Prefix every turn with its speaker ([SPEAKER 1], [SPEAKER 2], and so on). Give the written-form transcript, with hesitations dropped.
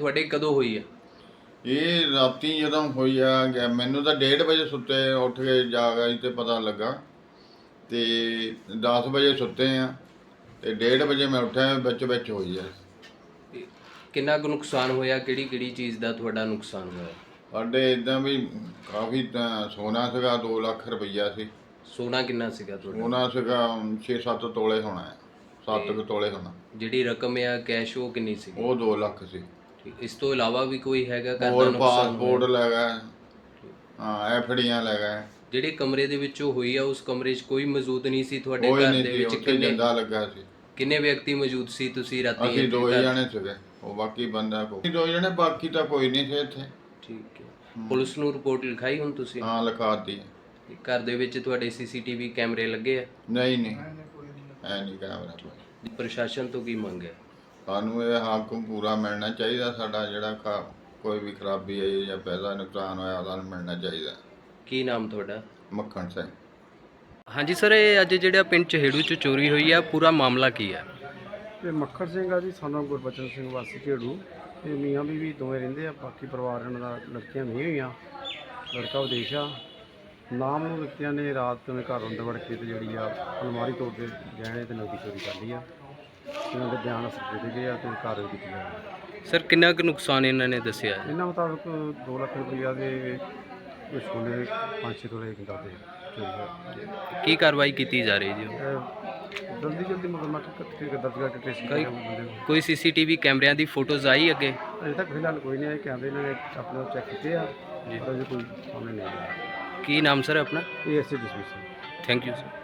[SPEAKER 1] ਤੁਹਾਡੇ ਕਦੋਂ ਹੋਈ ਹੈ?
[SPEAKER 2] ਇਹ ਰਾਤੀ ਜਦੋਂ ਹੋਈ ਆ ਮੈਨੂੰ ਤਾਂ 1:30 ਵਜੇ ਸੁੱਤੇ ਉੱਠ ਕੇ ਜਾਗ ਆਈ ਤੇ ਪਤਾ ਲੱਗਾ ਤੇ 10 ਵਜੇ ਸੁੱਤੇ ਆ ਤੇ 1:30 ਵਜੇ ਮੈਂ ਉੱਠਿਆ ਵਿੱਚ ਹੋਈ ਆ।
[SPEAKER 1] ਕਿੰਨਾ ਕੁ ਨੁਕਸਾਨ ਹੋਇਆ? ਕਿਹੜੀ ਕਿਹੜੀ ਚੀਜ਼ ਦਾ ਤੁਹਾਡਾ ਨੁਕਸਾਨ ਹੋਇਆ?
[SPEAKER 2] ਸਾਡੇ ਇਦਾਂ ਵੀ ਕਾਫੀ ਤਾਂ ਸੋਨਾ ਸੀਗਾ 2 ਲੱਖ ਰੁਪਈਆ ਸੀ।
[SPEAKER 1] ਸੋਨਾ ਕਿੰਨਾ ਸੀਗਾ ਤੁਹਾਡਾ?
[SPEAKER 2] ਸੋਨਾ ਸੀਗਾ 6-7 ਤੋਲੇ ਹੋਣਾ ਹੈ, 7 ਕੁ ਤੋਲੇ ਹੋਣਾ।
[SPEAKER 1] ਜਿਹੜੀ ਰਕਮ ਆ ਕੈਸ਼ ਉਹ ਕਿੰਨੀ ਸੀ?
[SPEAKER 2] ਉਹ 2 ਲੱਖ ਸੀ।
[SPEAKER 1] ਠੀਕ, ਇਸ ਤੋਂ ਇਲਾਵਾ ਵੀ ਕੋਈ ਹੈਗਾ ਘਰ ਦਾ
[SPEAKER 2] ਹੋਰ
[SPEAKER 1] ਨੁਕਸਾਨ
[SPEAKER 2] ਪਾਸਪੋਰਟ
[SPEAKER 1] ਹੋਇਆ?
[SPEAKER 2] ਲੈ ਗਏ, ਹਾਂ ਐਫਡੀਆਂ ਲੈ ਗਏ।
[SPEAKER 1] ਜਿਹੜੇ ਕਮਰੇ ਦੇ ਵਿੱਚੋਂ ਹੋਈ ਆ ਉਸ ਕਮਰੇ 'ਚ ਕੋਈ ਮੌਜੂਦ ਨਹੀਂ ਸੀ ਤੁਹਾਡੇ
[SPEAKER 2] ਕੋਈ
[SPEAKER 1] ਘਰ
[SPEAKER 2] ਨਹੀਂ
[SPEAKER 1] ਦੇ
[SPEAKER 2] ਸੀ,
[SPEAKER 1] ਵਿੱਚ?
[SPEAKER 2] ਉੱਥੇ ਜਿੰਦਾ ਲੱਗਾ ਸੀ।
[SPEAKER 1] ਕਿੰਨੇ ਵਿਅਕਤੀ ਮੌਜੂਦ ਸੀ ਤੁਸੀਂ ਰਾਤੀ?
[SPEAKER 2] ਅਸੀਂ 2
[SPEAKER 1] ਘਰ?
[SPEAKER 2] ਜਣੇ ਸੀਗੇ, ਉਹ ਬਾਕੀ ਬੰਦਾ ਕੋਈ 2 ਜਣੇ, ਬਾਕੀ ਤਾਂ ਕੋਈ ਨਹੀਂ ਸੀ ਇੱਥੇ।
[SPEAKER 1] ਠੀਕ ਹੈ। ਪੁਲਿਸ ਨੂੰ ਰਿਪੋਰਟ ਲਿਖਾਈ ਹੁਣ ਤੁਸੀਂ?
[SPEAKER 2] ਹਾਂ ਲਿਖਾਤੀ।
[SPEAKER 1] ਘਰ ਦੇ ਵਿੱਚ ਤੁਹਾਡੇ ਸੀਸੀਟੀਵੀ ਕੈਮਰੇ ਲੱਗੇ ਆ?
[SPEAKER 2] ਨਹੀਂ ਐ ਨਹੀਂ ਕੈਮਰਾ ਕੋਈ।
[SPEAKER 1] ਪ੍ਰਸ਼ਾਸਨ ਤੋਂ ਕੀ ਮੰਗ ਹੈ?
[SPEAKER 2] ਸਾਨੂੰ ਇਹ ਹੱਕ ਪੂਰਾ ਮਿਲਣਾ ਚਾਹੀਦਾ। ਸਾਡਾ ਜਿਹੜਾ ਕੋਈ ਵੀ ਖਰਾਬੀ ਆਈ ਜਾਂ ਪੈਸਾ ਨੁਕਸਾਨ ਹੋਇਆ ਸਾਨੂੰ ਮਿਲਣਾ ਚਾਹੀਦਾ।
[SPEAKER 1] ਕੀ ਨਾਮ ਤੁਹਾਡਾ?
[SPEAKER 2] ਮੱਖਣ ਸਿੰਘ।
[SPEAKER 1] ਹਾਂਜੀ ਸਰ, ਇਹ ਅੱਜ ਜਿਹੜਾ ਪਿੰਡ ਚਹੇੜੂ 'ਚ ਚੋਰੀ ਹੋਈ ਆ, ਪੂਰਾ ਮਾਮਲਾ ਕੀ ਹੈ?
[SPEAKER 3] ਇਹ ਮੱਖਣ ਸਿੰਘ ਆ ਜੀ, ਸਾਨੂੰ ਗੁਰਬਚਨ ਸਿੰਘ ਵਾਸੀ ਝੇੜੂ। ਇਹ ਮੀਆਂ ਬੀਵੀ ਦੋਵੇਂ ਰਹਿੰਦੇ ਆ, ਬਾਕੀ ਪਰਿਵਾਰ ਇਹਨਾਂ ਦਾ ਲੜਕੀਆਂ ਨਹੀਂ ਹੋਈਆਂ। ਲੜਕਾ ਵਿਦੇਸ਼ ਆ। ਨਾਮ ਨੂੰ ਵਿਅਕਤੀਆਂ ਨੇ ਰਾਤ ਨੂੰ ਘਰ ਅੰਦਰ ਵੜ ਕੇ ਤੇ ਜਿਹੜੀ ਆ ਅਲਮਾਰੀ ਤੋੜ ਕੇ ਗਹਿਣੇ ਤੇ ਨਕਦੀ ਚੋਰੀ ਕਰ ਲਈ ਆ। ਇਹਨਾਂ ਦੇ ਬਿਆਨ ਅਸਰ ਦੇ ਗਏ ਆ ਤੇ ਕਾਰਵਾਈ ਕੀਤੀ ਜਾਵੇ।
[SPEAKER 1] ਸਰ ਕਿੰਨਾ ਕੁ ਨੁਕਸਾਨ ਇਹਨਾਂ ਨੇ ਦੱਸਿਆ?
[SPEAKER 3] ਇਹਨਾਂ ਮੁਤਾਬਕ 2 ਲੱਖ ਰੁਪਈਆ ਦੇ ਸੋਨੇ 5-6 ਤੋਲੇ ਕਿੰਦਾ ਦੇ ਚੋਰੀ ਹੋਇਆ।
[SPEAKER 1] ਕੀ ਕਾਰਵਾਈ ਕੀਤੀ ਜਾ ਰਹੀ ਜੀ?
[SPEAKER 3] ਜਲਦੀ ਮੁਕੱਦਮਾ ਦਰਜ ਕਰਕੇ ਟ੍ਰੇਸ ਕਰਾਂਗੇ ਬੰਦੇ ਨੂੰ।
[SPEAKER 1] ਕੋਈ ਸੀਸੀਟੀਵੀ ਕੈਮਰਿਆਂ ਦੀ ਫੋਟੋਜ਼ ਆਈ ਅੱਗੇ?
[SPEAKER 3] ਅਜੇ ਤੱਕ ਫਿਲਹਾਲ ਕੋਈ ਨਹੀਂ ਆਇਆ। ਕੈਮਰੇ ਇਹਨਾਂ ਨੇ ਆਪਣਾ ਚੈੱਕ ਕੀਤੇ ਆ, ਪਰ ਅਜੇ ਕੋਈ ਸਾਹਮਣੇ ਨਹੀਂ ਆਇਆ।
[SPEAKER 1] ਕੀ ਨਾਮ ਸਰ ਆਪਣਾ?
[SPEAKER 3] ਇਹ ਐਸੇ ਡਿਸਮਿਸ।
[SPEAKER 1] Thank you sir.